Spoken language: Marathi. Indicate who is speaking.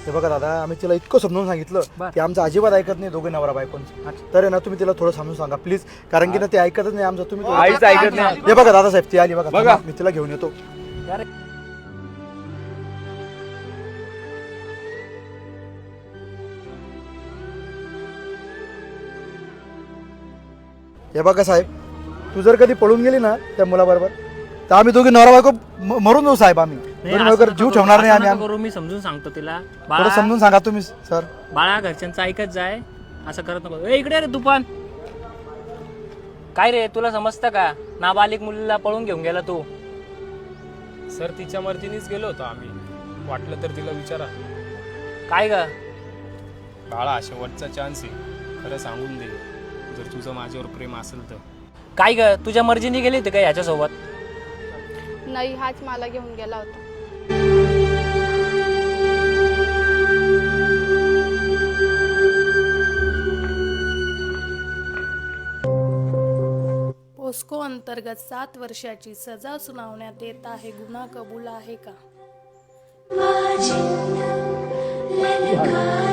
Speaker 1: हे बघा दादा, आम्ही तिला इतकं समजून सांगितलं की आमचं अजिबात ऐकत नाही दोघे नवरा बायकोंचं. तर आहे ना तुम्ही तिला थोडं समजून सांगा प्लीज, कारण की ना ते ऐकतच नाही आमचं. तुम्ही
Speaker 2: आईच ऐकत नाही.
Speaker 1: हे बघा दादासाहेब, ती आली बघा. थांबा, मी तिला घेऊन येतो. हे बघा साहेब, तू जर कधी पळून गेली ना त्या मुलाबरोबर, तर आम्ही दोघे नवरा बायको मरून जाऊ साहेब. आम्ही दोघे जीव ठेवणार नाही. आम्ही
Speaker 3: करू, मी समजून सांगतो तिला.
Speaker 1: थोडं
Speaker 3: बाळा
Speaker 1: समजून सांगा तुम्ही सर.
Speaker 3: बाळा, घरच्यांचं ऐकत जाय, असं करत नको. ए इकडे रे तुफान, काय रे तुला समजतं का? नाबालिक मुलीला पळून घेऊन गेला तू.
Speaker 4: सर तिच्या मर्जीनेच गेलो होतो आम्ही, वाटलं तर तिला विचारा.
Speaker 3: काय ग?
Speaker 4: बाळा शेवटचा चान्स आहे, खरं सांगून दे जर तुझं माझ्यावर प्रेम असेल तर.
Speaker 3: काय ग, तुझ्या मर्जीने गेली होती का ह्याच्यासोबत?
Speaker 5: नाही, हाच मला घेऊन गेला होता.
Speaker 6: पोस्को अंतर्गत 7 वर्षाची सजा सुनावण्यात येत आहे. गुन्हा कबूल आहे का?